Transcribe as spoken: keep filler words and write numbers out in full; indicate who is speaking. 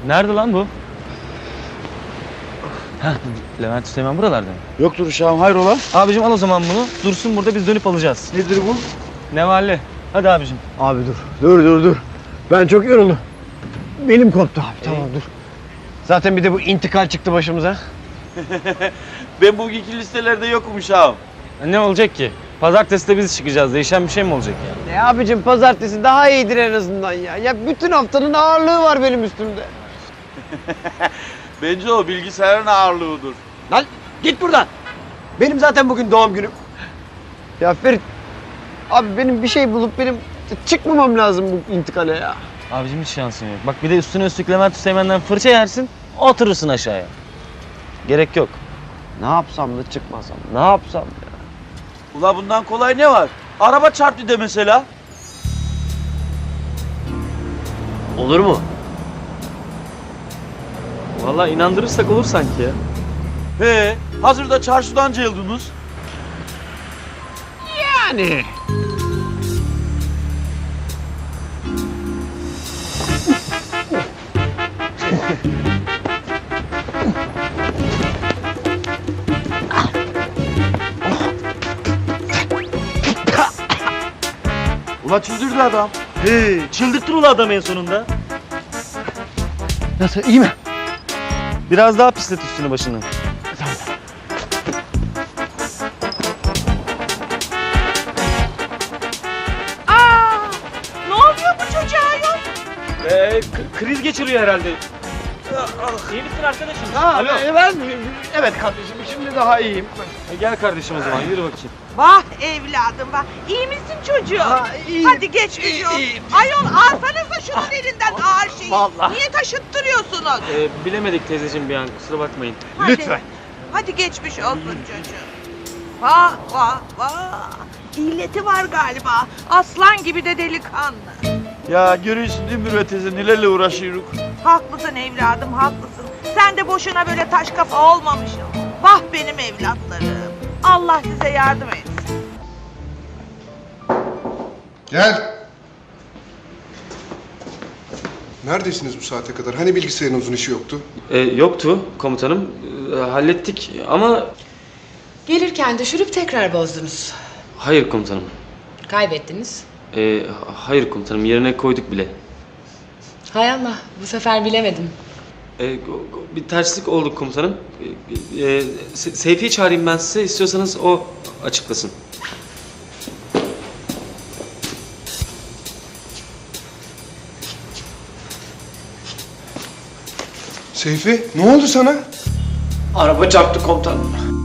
Speaker 1: Nerede lan bu? Heh, Levent Üsteğmen buralarda mı?
Speaker 2: Yoktur uşağım, hayrola?
Speaker 1: Abicim al o zaman bunu. Dursun burada, biz dönüp alacağız.
Speaker 2: Nedir bu?
Speaker 1: Nevalli. Hadi abicim.
Speaker 3: Abi dur. Dur dur dur. Ben çok yoruldum. Benim koptu abi. Tamam dur. Zaten bir de bu intikal çıktı başımıza.
Speaker 2: Ben bugünkü listelerde yokum uşağım.
Speaker 1: Ne olacak ki? Pazartesi de biz çıkacağız. Değişen bir şey mi olacak ya?
Speaker 3: Ne abicim, pazartesi daha iyidir en azından ya. Ya bütün haftanın ağırlığı var benim üstümde.
Speaker 2: Bence o bilgisayarın ağırlığıdır.
Speaker 3: Lan git buradan. Benim zaten bugün doğum günüm. Ya Ferit, abi benim bir şey bulup benim çıkmamam lazım bu intikale ya.
Speaker 1: Abicim hiç şansın yok. Bak bir de üstüne üstlük Levent Üsteğmen'den fırça yersin, oturursun aşağıya. Gerek yok.
Speaker 3: Ne yapsam da çıkmasam, ne yapsam ya?
Speaker 2: Ula bundan kolay ne var? Araba çarptı de mesela.
Speaker 3: Olur mu?
Speaker 1: Vallahi inandırırsak olur sanki ya.
Speaker 2: He, hazırda çarşıdan cayıldınız.
Speaker 3: Yani.
Speaker 2: Ula çıldırdı adam.
Speaker 1: He, çıldırttın ula adam en sonunda.
Speaker 3: Nasıl, iyi mi?
Speaker 1: Biraz daha pislet üstünü başını.
Speaker 4: Aa, ne oluyor bu çocuğa yok?
Speaker 1: Ee, kriz geçiriyor herhalde. İyi misin arkadaşım?
Speaker 3: Ha,
Speaker 1: Alo.
Speaker 3: e, ben, evet kardeşim, şimdi daha iyiyim.
Speaker 1: E, gel kardeşim o zaman, yürü bakayım.
Speaker 4: Vah evladım vah. İyi misin çocuğum?
Speaker 3: Ha, iyiyim.
Speaker 4: Hadi geç bir yol. Ayol alsanıza şunun elinden ağır şeyi.
Speaker 3: Vallahi.
Speaker 4: Niye taşıttırıyorsunuz?
Speaker 1: Ee, bilemedik teyzeciğim bir an, kusura bakmayın.
Speaker 4: Hadi.
Speaker 3: Lütfen.
Speaker 4: Hadi geçmiş olsun çocuğum. Vah vah vah. İlleti var galiba. Aslan gibi de delikanlı.
Speaker 2: Ya görüyorsun değil mi Mürvet teyze nelerle uğraşıyoruz.
Speaker 4: Haklısın evladım haklısın. Sen de boşuna böyle taş kafa olmamışsın. Vah benim evlatlarım. Allah size yardım etsin.
Speaker 5: Gel. Neredesiniz bu saate kadar? Hani bilgisayarınızın işi yoktu?
Speaker 1: Ee, yoktu komutanım, ee, hallettik ama...
Speaker 6: Gelirken düşürüp tekrar bozdunuz.
Speaker 1: Hayır komutanım.
Speaker 6: Kaybettiniz.
Speaker 1: Ee, hayır komutanım, yerine koyduk bile.
Speaker 6: Hay Allah, bu sefer bilemedim.
Speaker 1: Ee, go- go- bir terslik oldu komutanım. Ee, e, Se- Seyfi'yi çağırayım ben size, istiyorsanız o açıklasın.
Speaker 5: Seyfi, ne oldu sana?
Speaker 3: Araba çarptı komutanım.